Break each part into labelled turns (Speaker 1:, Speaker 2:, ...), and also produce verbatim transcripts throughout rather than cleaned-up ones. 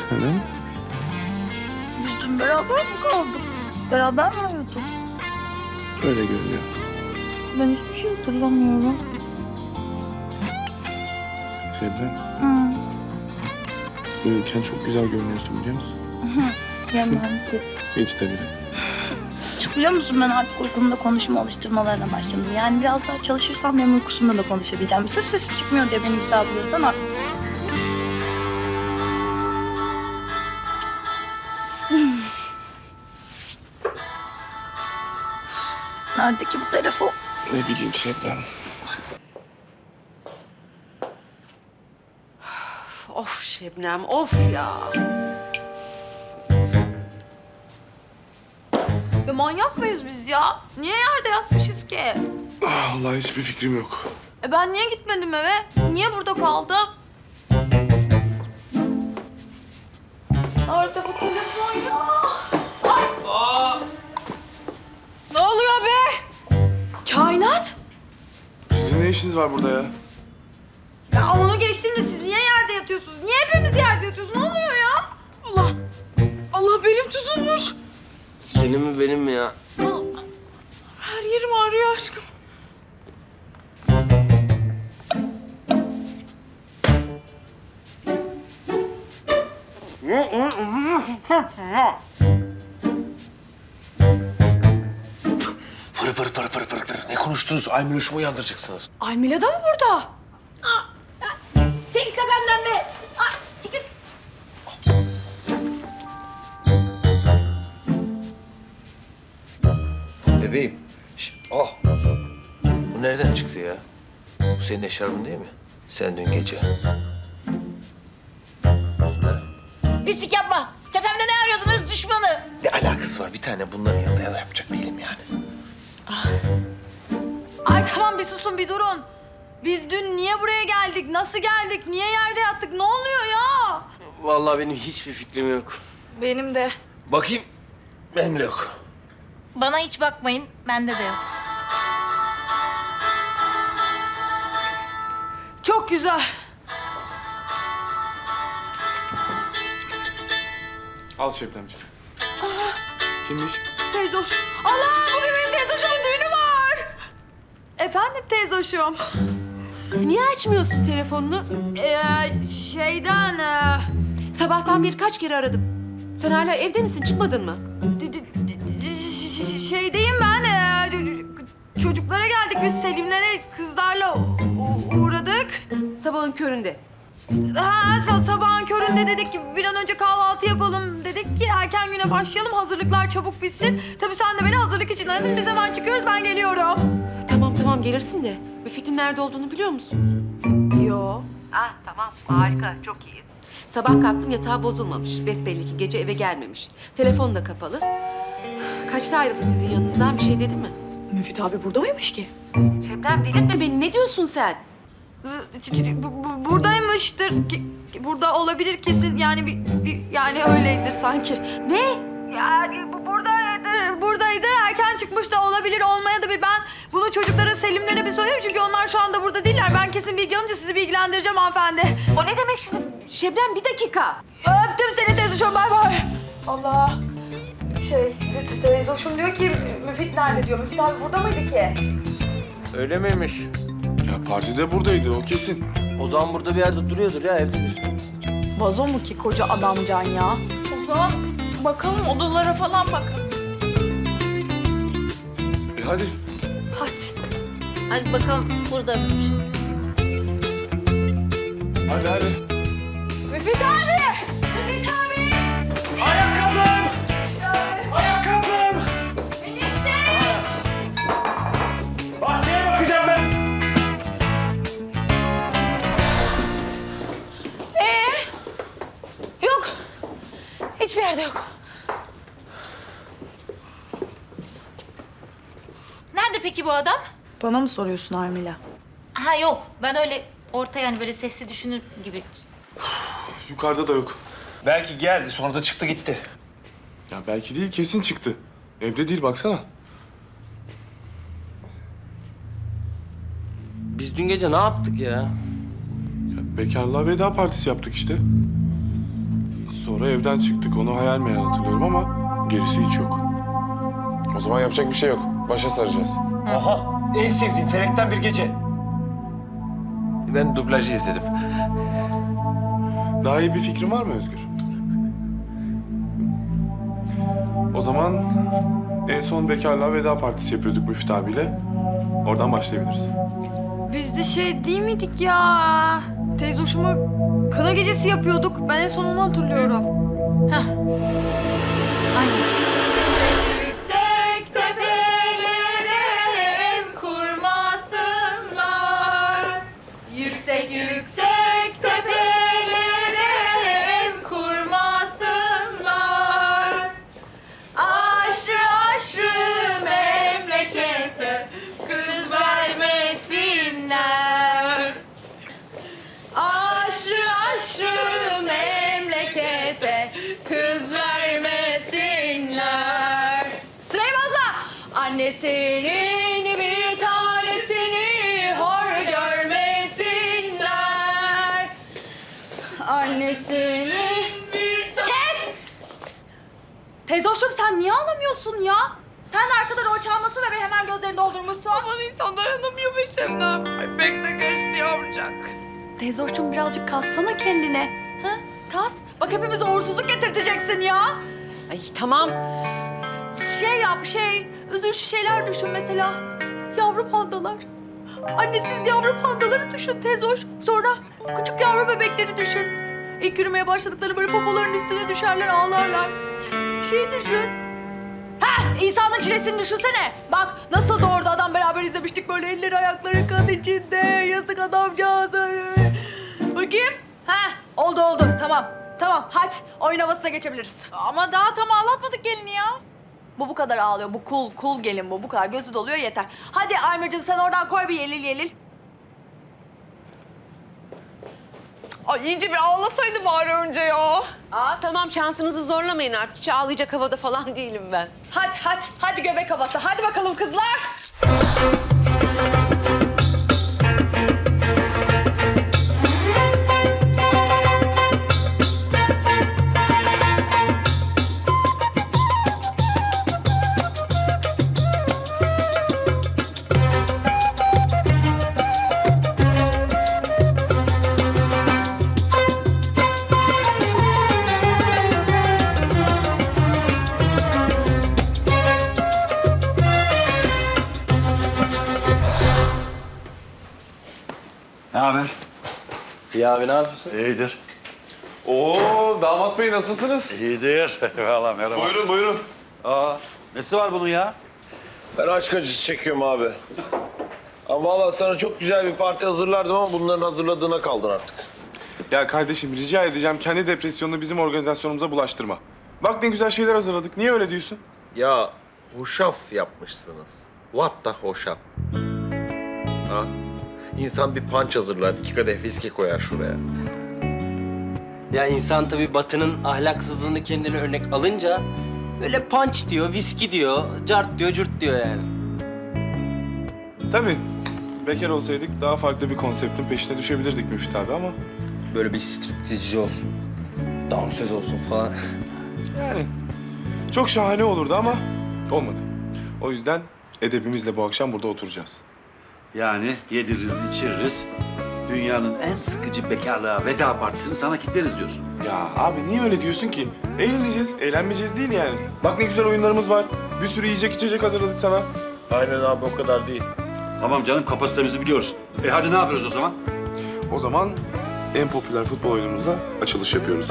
Speaker 1: Neden?
Speaker 2: Biz dün beraber mi kaldık? Beraber mi uyuduk?
Speaker 1: Öyle görünüyor.
Speaker 2: Ben hiçbir şey hatırlamıyorum.
Speaker 1: Sebnem,
Speaker 2: Hı.
Speaker 1: uyurken çok güzel görünüyorsun biliyor musun?
Speaker 2: Romantik.
Speaker 1: Hiç de bile.
Speaker 2: Biliyor musun ben artık uykumda konuşma alıştırmalarına başladım. Yani biraz daha çalışırsam benim uykusumda da konuşabileceğim. Sırf sesim çıkmıyor diye beni güzel buluyorsan artık. Nerede ki bu telefon?
Speaker 1: Ne bileyim Sebnem.
Speaker 3: Of Şebnem, of ya.
Speaker 2: Ya manyak mıyız biz ya? Niye yerde yatmışız ki?
Speaker 1: Ah, vallahi hiçbir fikrim yok.
Speaker 2: E ben niye gitmedim eve? Niye burada kaldım? Nerede bu telefon ya?
Speaker 3: Ne oluyor be?
Speaker 2: Kainat?
Speaker 1: Sizin ne işiniz var burada ya?
Speaker 2: Ya onu geçtim de siz niye yerde yatıyorsunuz? Niye hepimiz yerde yatıyoruz? Ne oluyor ya?
Speaker 3: Allah, Allah belim tutulmuş.
Speaker 4: Senin mi benim mi ya?
Speaker 3: Her yerim ağrıyor aşkım.
Speaker 4: Fır fır fır fır fır fır. Ne konuştunuz? Aymiloş'umu uyandıracaksınız.
Speaker 2: Almila da mı burada?
Speaker 3: Çekil tepemden be. Ay, çekil.
Speaker 4: Bebeğim. Şş, oh. Bu nereden çıktı ya? Bu senin eşarbın değil mi? Sen dün gece.
Speaker 5: Pislik yapma. Tepemde ne arıyordunuz düşmanı?
Speaker 4: Ne alakası var? Bir tane bunların yanında ya da yapacak değilim yani.
Speaker 2: Ay tamam bir susun bir durun. Biz dün niye buraya geldik? Nasıl geldik? Niye yerde yattık? Ne oluyor ya?
Speaker 4: Vallahi benim hiçbir fikrim yok.
Speaker 2: Benim de.
Speaker 4: Bakayım. Benim de yok.
Speaker 5: Bana hiç bakmayın. Bende de yok.
Speaker 2: Çok güzel.
Speaker 1: Al Şebnemciğim. Kimmiş?
Speaker 2: Teyze hoş. Allah bugün benim teyze hoşumun düğünü var. Efendim teyze hoşum.
Speaker 3: Niye açmıyorsun telefonunu?
Speaker 2: Ee, şeyden... E,
Speaker 3: Sabahtan beri kaç kere aradım. Sen hala evde misin? Çıkmadın mı?
Speaker 2: d- d- d- ş- ş- şeydeyim ben. E, çocuklara geldik biz Selimlere kızlarla u- uğradık.
Speaker 3: Sabahın köründe.
Speaker 2: Ha, sa- sabahın köründe dedik ki bir an önce kahvaltı yapalım dedik ki erken güne başlayalım hazırlıklar çabuk bitsin. Tabii sen de beni hazırlık için aradın biz hemen çıkıyoruz ben geliyorum.
Speaker 3: Tamam tamam gelirsin de. Müfit'in nerede olduğunu biliyor musun?
Speaker 2: Yo.
Speaker 3: Ah tamam harika çok iyi. Sabah kalktım yatağı bozulmamış. Besbelli ki gece eve gelmemiş. Telefon da kapalı. Kaçta ayrıldı sizin yanınızdan bir şey dedi mi?
Speaker 2: Müfit abi burada mıymış ki?
Speaker 3: Şebnem delirtme beni ne diyorsun sen?
Speaker 2: Z- bu- bu- Buradaymıştır. Ki- Burada olabilir kesin. Yani bir, bir- yani öyleydir sanki.
Speaker 3: Ne?
Speaker 2: Yani bu buradaydı. Buradaydı. Erken çıkmış da olabilir. Olmaya da bir ben bunu çocuklara Selimlere bir sorayım. Çünkü onlar şu anda burada değiller. Ben kesin bilgi alınca sizi bilgilendireceğim hanımefendi.
Speaker 3: O ne demek şimdi? Şebnem bir dakika.
Speaker 2: Öptüm seni teyze bay bay. Allah. Şey te- te- teyze hoşum diyor ki Müfit nerede diyor. Müfit abi burada mıydı ki?
Speaker 4: Öyle miymiş?
Speaker 1: Ya partide buradaydı o kesin.
Speaker 4: O zaman burada bir yerde duruyordur ya, evdedir.
Speaker 2: Vazo mu ki koca adamcan ya? O zaman bakalım odalara falan bakalım.
Speaker 1: E hadi.
Speaker 2: Hadi.
Speaker 5: Hadi bakalım burada mıymış?
Speaker 1: Hadi hadi.
Speaker 2: Müfit abi! Müfit abi!
Speaker 6: Ayakkabım! Ayakkabım!
Speaker 2: Enişte!
Speaker 6: Bahçeye bakacağım ben.
Speaker 3: Yok. Hiçbir yerde yok.
Speaker 5: Nerede peki bu adam?
Speaker 2: Bana mı soruyorsun Armila?
Speaker 5: Ha yok. Ben öyle orta yani böyle sesli düşünür gibi.
Speaker 1: Yukarıda da yok.
Speaker 6: Belki geldi sonra da çıktı gitti.
Speaker 1: Ya belki değil kesin çıktı. Evde değil baksana.
Speaker 4: Biz dün gece ne yaptık ya?
Speaker 1: Ya bekarlığa veda partisi yaptık işte. Sonra evden çıktık. Onu hayal meyal hatırlıyorum ama gerisi hiç yok.
Speaker 7: O zaman yapacak bir şey yok. Başa saracağız.
Speaker 6: Aha, en sevdiğim Felekten Bir Gece.
Speaker 4: Ben dublajı izledim.
Speaker 1: Daha iyi bir fikrin var mı Özgür? O zaman en son bekarlığa veda partisi yapıyorduk Müftü abiyle. Oradan başlayabiliriz.
Speaker 2: Biz de şey değil miydik ya? Teyze hoşuma kına gecesi yapıyorduk. Ben en son onu hatırlıyorum. Heh. Aynen. Yüksek tepelere ev kurmasınlar. Yüksek yüksek tepelere ev kurmasınlar. Aşrı aşrı memlekete kız vermesinler. Aşrı aşrı memlekete kız vermesinler. Sırayı bozma. Annesinin bir tanesini hor görmesinler. Annesinin bir tanesini... Kes! Teyze hoşum sen niye ağlamıyorsun ya? Sen de arkada rol çalmasın ve beni hemen gözlerini doldurmuşsun.
Speaker 8: Aman insan dayanamıyor be Şebnem. Ay pek de geçti yavrucak.
Speaker 2: Teyze hoşum birazcık kassana kendine. Ha? Kas. Bak hepimize uğursuzluk getirteceksin ya.
Speaker 3: Ay tamam.
Speaker 2: Şey yap şey. Üzülüşü şeyler düşün mesela. Yavru pandalar. Annesiz yavru pandaları düşün teyze hoş. Sonra küçük yavru bebekleri düşün. İlk yürümeye başladıkları böyle popoların üstüne düşerler ağlarlar. Şey düşün. Ha, İsa'nın çilesini düşünsene. Bak nasıl doğurdu adam beraber izlemiştik böyle elleri ayakları kan içinde. Yazık adamcağız. Bakayım. Ha, oldu oldu tamam. Tamam hadi oyun havasına geçebiliriz.
Speaker 8: Ama daha tam ağlatmadık gelini ya.
Speaker 2: Bu bu kadar ağlıyor. Bu cool cool gelin bu. Bu kadar gözü doluyor yeter. Hadi Aymer'cığım sen oradan koy bir yelil yelil.
Speaker 8: Ay iyice bir ağlasaydı bari önce ya.
Speaker 3: Aa tamam şansınızı zorlamayın artık. Hiç ağlayacak havada falan değilim ben.
Speaker 2: Hadi hadi hadi göbek havası. Hadi bakalım kızlar.
Speaker 9: Ne haber?
Speaker 4: İyi abi ne yapıyorsun?
Speaker 9: İyidir.
Speaker 7: Oo, damat bey nasılsınız?
Speaker 9: İyidir. Eyvallah merhaba.
Speaker 7: Buyurun, buyurun.
Speaker 9: Aa, nesi var bunun ya?
Speaker 4: Ben aşk acısı çekiyorum abi. Ama vallahi sana çok güzel bir parti hazırlardım ama bunların hazırladığına kaldın artık.
Speaker 1: Ya kardeşim rica edeceğim kendi depresyonunu bizim organizasyonumuza bulaştırma. Bak ne güzel şeyler hazırladık. Niye öyle diyorsun?
Speaker 4: Ya hoşaf yapmışsınız. What the hoşaf? Ha? İnsan bir punch hazırlar, iki kadeh viski koyar şuraya.
Speaker 10: Ya insan tabii Batı'nın ahlaksızlığını kendine örnek alınca böyle punch diyor, viski diyor, cart diyor, cürt diyor yani.
Speaker 1: Tabii. Bekar olsaydık daha farklı bir konseptin peşine düşebilirdik Müftü abi ama...
Speaker 10: Böyle bir striptizci olsun, dansöz olsun falan.
Speaker 1: Yani çok şahane olurdu ama olmadı. O yüzden edebimizle bu akşam burada oturacağız.
Speaker 9: Yani yediririz, içiririz. Dünyanın en sıkıcı bekarlığa veda partisini sana kitleriz diyorsun.
Speaker 1: Ya abi niye öyle diyorsun ki? Eğleneceğiz, eğlenmeyeceğiz değil yani. Bak ne güzel oyunlarımız var. Bir sürü yiyecek içecek hazırladık sana.
Speaker 4: Aynen abi o kadar değil.
Speaker 9: Tamam canım kapasitemizi biliyoruz. E hadi ne yapıyoruz o zaman?
Speaker 1: O zaman en popüler futbol oyunumuzla açılış yapıyoruz.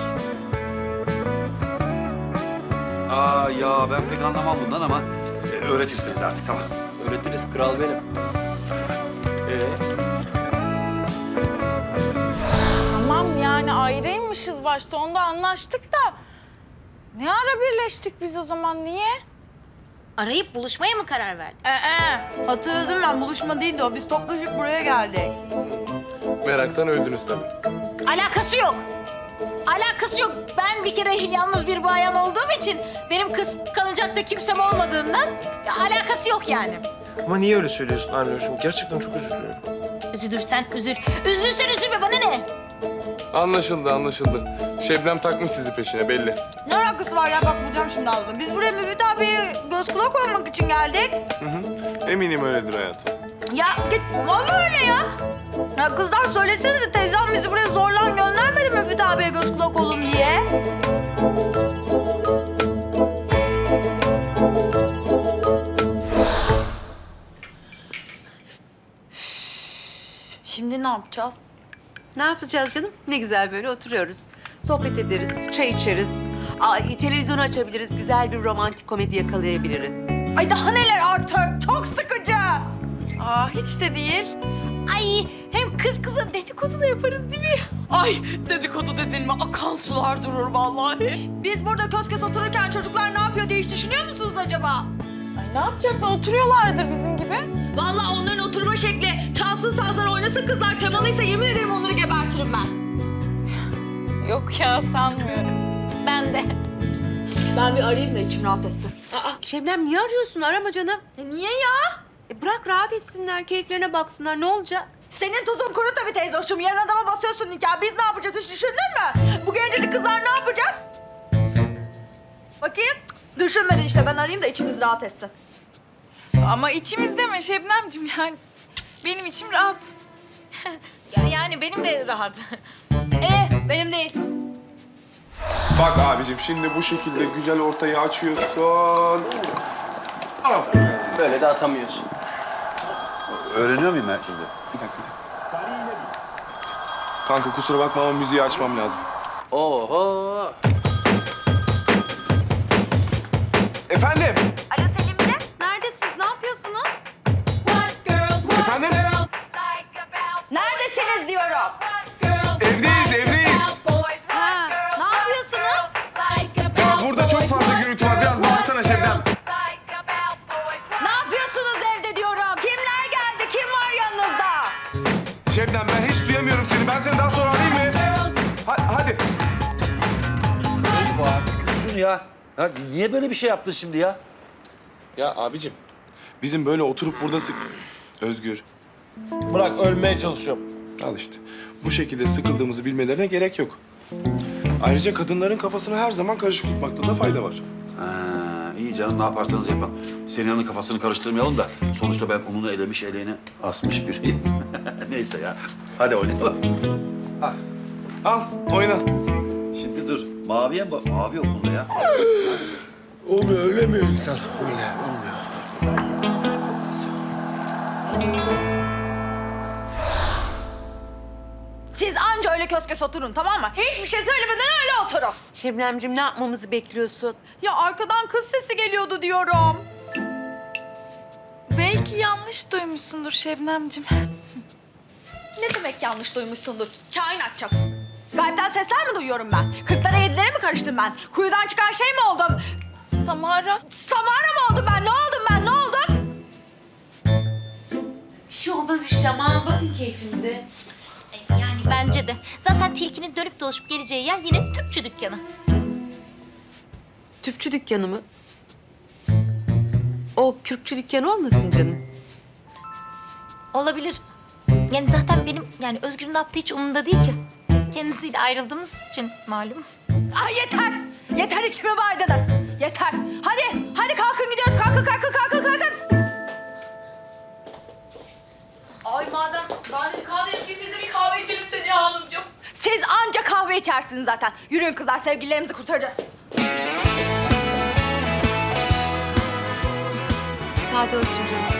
Speaker 9: Aa ya ben pek anlamam bundan ama e, öğretirsiniz artık tamam.
Speaker 10: Öğretiriz, kral benim.
Speaker 9: Ee,
Speaker 8: Tamam yani ayrıymışız başta onda anlaştık da. Ne ara birleştik biz o zaman niye?
Speaker 5: Arayıp buluşmaya mı karar verdin?
Speaker 2: Ee, hatırladım ben buluşma değildi o. Biz toplaşıp buraya geldik.
Speaker 7: Meraktan öldünüz tabii.
Speaker 5: Alakası yok. Alakası yok. Ben bir kere yalnız bir bayan olduğum için benim kıskanacak da kimsem olmadığından ya, alakası yok yani.
Speaker 4: Ama niye öyle söylüyorsun Arnoş'um? Gerçekten çok üzülüyorum.
Speaker 5: Üzülürsen üzül. Üzülürsen üzülme bana ne?
Speaker 7: Anlaşıldı, anlaşıldı. Şebnem takmış sizi peşine belli.
Speaker 2: Ne alakası var ya? Bak vuracağım şimdi ağzına. Biz buraya Müfit abiye göz kulak olmak için geldik.
Speaker 7: Hı hı. Eminim öyledir hayatım.
Speaker 2: Ya git. Vallahi öyle ya. Ya kızlar söylesenize teyzem bizi buraya zorla göndermedi Müfit abiye göz kulak olun diye. Şimdi ne yapacağız?
Speaker 3: Ne yapacağız canım? Ne güzel böyle oturuyoruz. Sohbet ederiz, çay içeriz. Aa, televizyonu açabiliriz, güzel bir romantik komedi yakalayabiliriz.
Speaker 2: Ay daha neler artık. Çok sıkıcı.
Speaker 8: Aa hiç de değil.
Speaker 5: Ay hem kız kıza dedikodu da yaparız değil mi?
Speaker 8: Ay dedikodu dedin mi akan sular durur vallahi.
Speaker 2: Biz burada köz köz otururken çocuklar ne yapıyor diye hiç düşünüyor musunuz acaba?
Speaker 8: Ay ne yapacaklar oturuyorlardır bizim gibi.
Speaker 2: Vallahi onların oturma şekli, çalsın sazlar oynasın kızlar temalıysa yemin ederim onları gebertirim ben.
Speaker 8: Yok ya sanmıyorum.
Speaker 5: Ben de.
Speaker 2: Ben bir arayayım da içim rahat etsin.
Speaker 3: Aa, Şebnem niye arıyorsun? Arama canım.
Speaker 2: E niye ya?
Speaker 3: E, bırak rahat etsinler, keyiflerine baksınlar. Ne olacak?
Speaker 2: Senin tuzun kuru tabii teyze hoşum. Yarın adama basıyorsun nikah. Biz ne yapacağız hiç düşündün mü? Bu gencecik kızlar ne yapacak? Bakayım. Cık, düşünmedin işte. Ben arayayım da içimiz rahat etsin.
Speaker 8: Ama içimizde mi Şebnemciğim yani? Benim içim rahat.
Speaker 5: Ya, yani benim de rahat.
Speaker 2: Ee, benim değil.
Speaker 1: Bak abicim şimdi bu şekilde güzel ortayı açıyorsun. Aferin.
Speaker 10: Böyle de atamıyorsun.
Speaker 9: Öğreniyor muyum ben şimdi?
Speaker 1: Bir dakika, bir dakika. Kanka kusura bakma ama müziği açmam lazım.
Speaker 10: Oho.
Speaker 1: Efendim?
Speaker 2: Alo Selim'de. Neredesiniz? Ne yapıyorsunuz?
Speaker 1: Efendim?
Speaker 2: Neredesiniz diyorum.
Speaker 1: Evdeyiz, evdeyiz.
Speaker 2: Ha, ne yapıyorsunuz?
Speaker 1: Ya burada çok fazla gürültü var. Biraz bağırsana Şebnem.
Speaker 2: Ne yapıyorsunuz evde diyorum. Kimler geldi? Kim var yanınızda?
Speaker 1: Şebnem ben hiç duyamıyorum seni. Ben seni daha sonra arayayım mı? Ha- hadi.
Speaker 9: Oğlum bu artık şunu ya. Ya niye böyle bir şey yaptın şimdi ya?
Speaker 1: Ya abicim bizim böyle oturup burada sık... Özgür.
Speaker 6: Bırak ölmeye çalışıyorum.
Speaker 1: Al işte. Bu şekilde sıkıldığımızı bilmelerine gerek yok. Ayrıca kadınların kafasını her zaman karışık tutmakta da fayda var.
Speaker 9: Ha, iyi canım ne yaparsanız yapın. Senihan'ın kafasını karıştırmayalım da sonuçta ben onunu elemiş eleğini asmış biriyim. Neyse ya. Hadi oynayalım.
Speaker 1: Al, oyna.
Speaker 9: Şimdi dur. Maviye mi bak? Mavi yok bunda ya.
Speaker 1: Olmuyor, öyle mi insan? Öyle, olmuyor.
Speaker 2: Siz anca öyle köz köz oturun tamam mı? Hiçbir şey söylemeden öyle oturun.
Speaker 3: Şebnemciğim ne yapmamızı bekliyorsun?
Speaker 2: Ya arkadan kız sesi geliyordu diyorum.
Speaker 8: Belki yanlış duymuşsundur Şebnemciğim.
Speaker 2: Ne demek yanlış duymuşsundur? Kainat çap. Gaybden sesler mi duyuyorum ben? Kırklara yedilere mi karıştım ben? Kuyudan çıkan şey mi oldum?
Speaker 8: Samara.
Speaker 2: Samara mı oldum ben? Ne oldum ben? Ne oldum?
Speaker 3: Bir şey olmaz işte aman bakın keyfinize.
Speaker 5: Yani bence de. Zaten tilkinin dönüp dolaşıp geleceği yer yine tüpçü dükkanı.
Speaker 3: Tüpçü dükkanı mı? O kürkçü dükkanı olmasın canım?
Speaker 5: Olabilir. Yani zaten benim yani Özgür'ün ne yaptığı hiç umurumda değil ki. Biz kendisiyle ayrıldığımız için malum.
Speaker 2: Ay yeter. Yeter içime baydınız. Yeter. Hadi. Hadi kalkın gidiyoruz. Kalkın kalkın kalkın kalkın.
Speaker 8: Ay madem, madem kahve yapayım biz de bir kahve içelim Seniha Hanımcığım.
Speaker 2: Siz anca kahve içersiniz zaten. Yürüyün kızlar sevgililerimizi kurtaracağız.
Speaker 3: Sade olsun canım.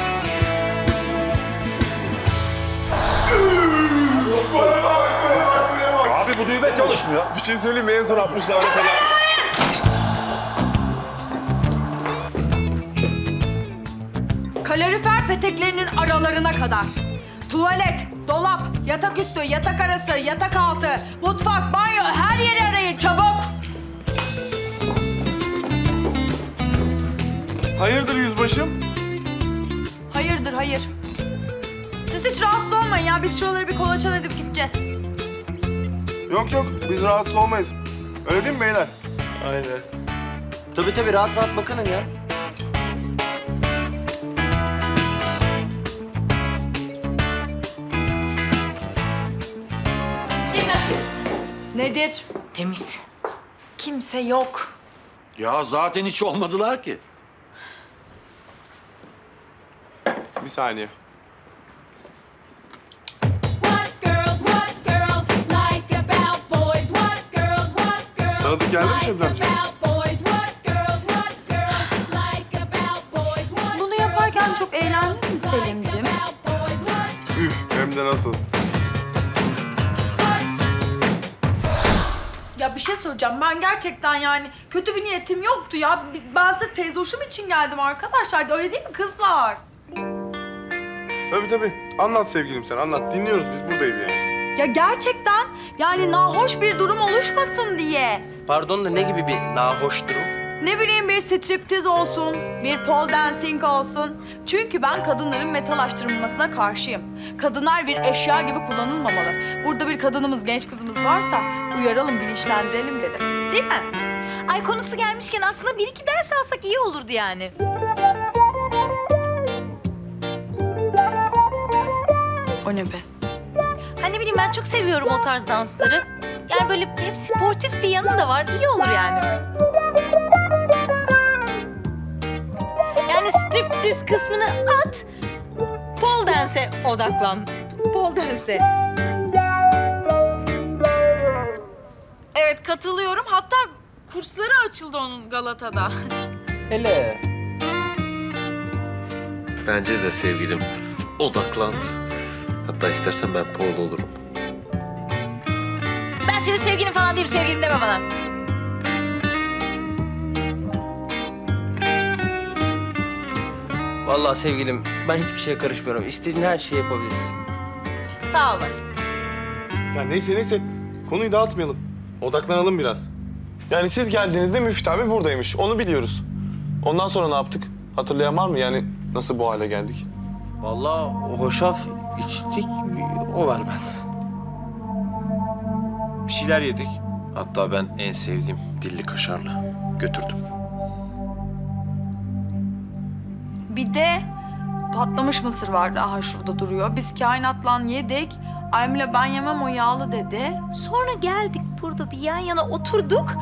Speaker 9: Abi bu düğme çalışmıyor.
Speaker 1: Bir şey söyleyeyim mi? En son altmışlarda kadar.
Speaker 2: Kalorifer peteklerinin aralarına kadar. Tuvalet, dolap, yatak üstü, yatak arası, yatak altı, mutfak, banyo her yeri arayın çabuk.
Speaker 1: Hayırdır yüzbaşım?
Speaker 2: Hayırdır hayır. Siz hiç rahatsız olmayın ya. Biz şuraları bir kolaçan edip gideceğiz.
Speaker 1: Yok yok, biz rahatsız olmayız. Öyle değil mi beyler?
Speaker 6: Aynen.
Speaker 10: Tabii tabii rahat rahat bakının ya.
Speaker 5: Şebnem
Speaker 2: Nedir?
Speaker 8: Temiz. Kimse yok.
Speaker 9: Ya zaten hiç olmadılar ki.
Speaker 1: Bir saniye. Tanıdık geldi mi Şebnemciğim?
Speaker 2: Bunu yaparken çok eğlendin mi Selim'ciğim?
Speaker 1: Üf, hem de nasıl?
Speaker 2: Ya bir şey söyleyeceğim. Ben gerçekten yani kötü bir niyetim yoktu ya. Biz, ben sırf teyze hoşum için geldim arkadaşlar. Öyle değil mi kızlar?
Speaker 1: Tabii tabii. Anlat sevgilim sen, anlat. Dinliyoruz, biz buradayız yani.
Speaker 2: Ya gerçekten yani nahoş bir durum oluşmasın diye.
Speaker 10: Pardon da ne gibi bir nahoş durum?
Speaker 2: Ne bileyim bir striptiz olsun, bir pole dancing olsun. Çünkü ben kadınların metalaştırılmasına karşıyım. Kadınlar bir eşya gibi kullanılmamalı. Burada bir kadınımız, genç kızımız varsa uyaralım, bilinçlendirelim dedim. Değil mi?
Speaker 5: Ay konusu gelmişken aslında bir iki ders alsak iyi olurdu yani.
Speaker 2: O ne be?
Speaker 5: Hani bileyim ben çok seviyorum o tarz dansları. Yani böyle hep sportif bir yanı da var. İyi olur yani. Yani striptiz kısmını at. Pole dance'e odaklan. Pole dance'e.
Speaker 8: Evet katılıyorum. Hatta kursları açıldı onun Galata'da.
Speaker 10: Hele.
Speaker 4: Bence de sevgilim odaklan. Hatta istersen ben Paul olurum.
Speaker 5: Ben senin sevgilin falan değilim. Sevgilim deme bana.
Speaker 10: Vallahi sevgilim, ben hiçbir şeye karışmıyorum. İstediğin her şeyi yapabilirsin.
Speaker 5: Sağ ol.
Speaker 1: Ya neyse neyse, konuyu dağıtmayalım. Odaklanalım biraz. Yani siz geldiğinizde Müftü abi buradaymış, onu biliyoruz. Ondan sonra ne yaptık? Hatırlayan var mı? Yani nasıl bu hale geldik?
Speaker 10: Vallahi hoşaf içtik, o var bende.
Speaker 4: Bir şeyler yedik. Hatta ben en sevdiğim dilli kaşarla götürdüm.
Speaker 2: Bir de patlamış mısır vardı. Aha şurada duruyor. Biz kainatla yedik. Aymile ben yemem o yağlı dedi.
Speaker 5: Sonra geldik burada bir yan yana oturduk.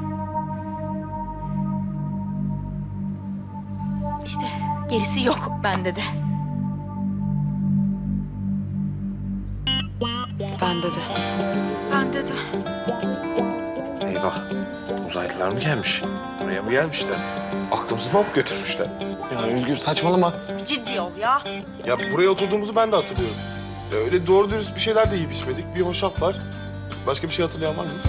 Speaker 5: İşte gerisi yok bende de.
Speaker 2: Bende de.
Speaker 8: Bende de.
Speaker 4: Eyvah. Uzaylılar mı gelmiş? Buraya mı gelmişler? Aklımızı mı alıp götürmüşler?
Speaker 1: Ya Özgür saçmalama.
Speaker 8: Ciddi ol ya.
Speaker 1: Ya buraya oturduğumuzu ben de hatırlıyorum. Ya öyle doğru dürüst bir şeyler de yiyip içmedik. Bir hoşaf var. Başka bir şey hatırlayan var mı?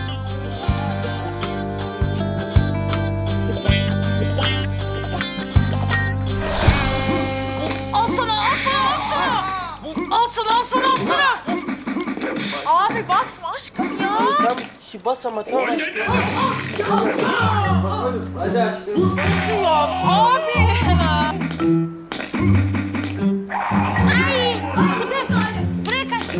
Speaker 2: Al sana, al sana, al sana! Al sana, al sana, al sana!
Speaker 8: Abi basma aşkım ya.
Speaker 10: Tam şi bas ama tam aşkım. Hadi aşkım.
Speaker 8: Ya abi.
Speaker 5: Buraya kaç.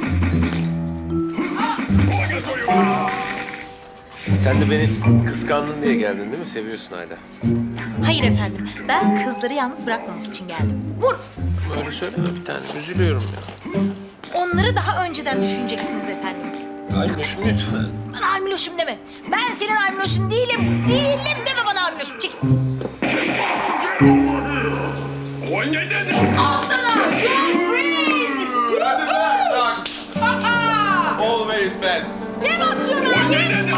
Speaker 4: Sen de beni kıskandın diye geldin değil mi? Seviyorsun hala.
Speaker 5: Hayır efendim. Ben kızları yalnız bırakmamak için geldim. Vur.
Speaker 4: Öyle söyleme bir tane. Üzülüyorum ya.
Speaker 5: Onları daha önceden düşünecektiniz efendim.
Speaker 4: Aynoş'um lütfen.
Speaker 5: Bana Almiloş'um deme. Ben senin Almiloş'un değilim. Değilim deme bana Almiloş'um. Çık.
Speaker 2: Al sana!
Speaker 1: Always best.
Speaker 5: Ne basıyorsun abi?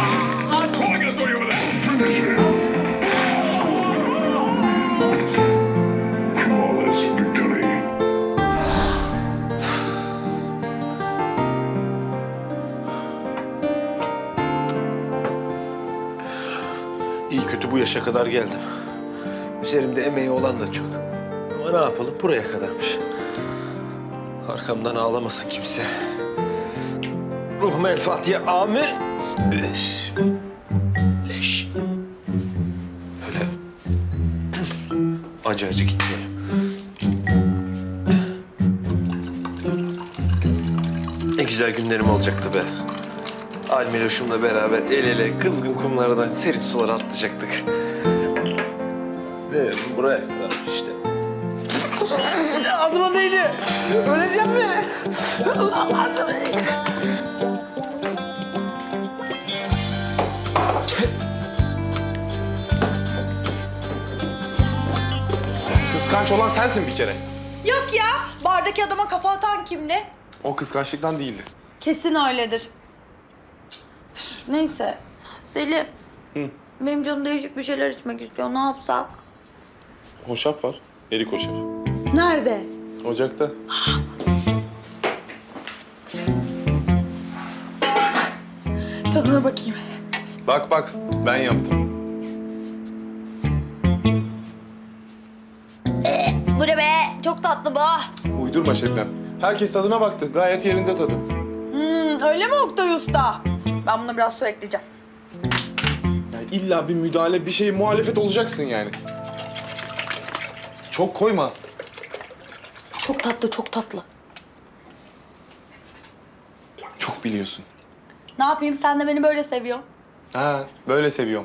Speaker 4: İyi kötü bu yaşa kadar geldim. Üzerimde emeği olan da çok. Ama ne yapalım buraya kadarmış. Arkamdan ağlamasın kimse. Ruhum el Fatiha amin. Üf. Leş. Böyle acı acı gitmeyelim. Ne güzel günlerim olacaktı be. Almiloş'umla beraber el ele kızgın kumlardan serin sulara atlayacaktık. Ve buraya kadar işte. Altıma değdi. Öleceğim mi?
Speaker 1: Kıskanç olan sensin bir kere.
Speaker 2: Yok ya. Bardaki adama kafa atan kimdi?
Speaker 1: O kıskançlıktan değildi.
Speaker 2: Kesin öyledir. Üf, neyse. Selim.
Speaker 1: Hı.
Speaker 2: Benim canım değişik bir şeyler içmek istiyor. Ne yapsak?
Speaker 1: Hoşaf var. Erik hoşaf.
Speaker 2: Nerede?
Speaker 1: Ocakta.
Speaker 2: Tadına bakayım.
Speaker 1: Bak bak, ben yaptım.
Speaker 2: Bu ne be? Çok tatlı bu.
Speaker 1: Uydurma Şebnem. Herkes tadına baktı. Gayet yerinde tadı.
Speaker 2: Hmm, öyle mi Oktay Usta? Ben buna biraz su ekleyeceğim.
Speaker 1: Yani illa bir müdahale, bir şey muhalefet olacaksın yani. Çok koyma.
Speaker 2: Çok tatlı, çok tatlı.
Speaker 1: Çok biliyorsun.
Speaker 2: Ne yapayım? Sen de beni böyle seviyorsun.
Speaker 1: Ha, böyle seviyorum.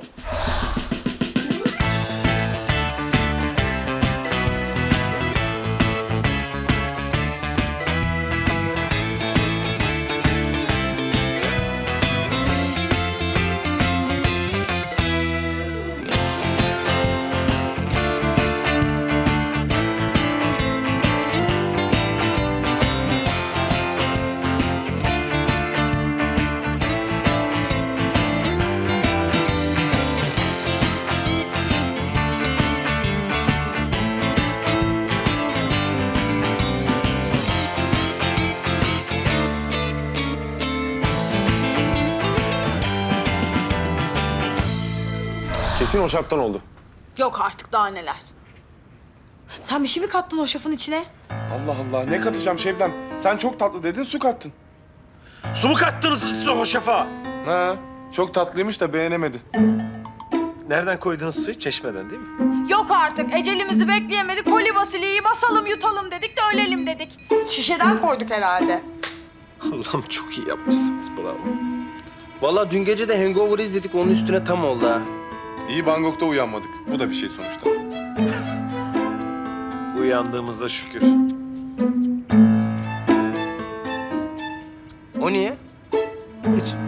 Speaker 1: Kesin o şaptan oldu.
Speaker 2: Yok artık daha neler. Sen bir şey mi kattın o şafın içine?
Speaker 1: Allah Allah, ne katacağım Şebnem? Sen çok tatlı dedin, su kattın.
Speaker 6: Su mu kattınız siz o hoşafa?
Speaker 1: Ha, çok tatlıymış da beğenemedi.
Speaker 6: Nereden koydunuz suyu? Çeşmeden değil mi?
Speaker 2: Yok artık. Ecelimizi bekleyemedik. Koli basiliyi basalım yutalım dedik de ölelim dedik. Şişeden koyduk herhalde.
Speaker 6: Allah'ım çok iyi yapmışsınız. Bravo.
Speaker 10: Vallahi dün gece de Hangover izledik, onun üstüne tam oldu ha.
Speaker 1: İyi Bangkok'ta uyanmadık. Bu da bir şey sonuçta.
Speaker 6: Uyandığımıza şükür.
Speaker 10: O niye?
Speaker 6: Hiç.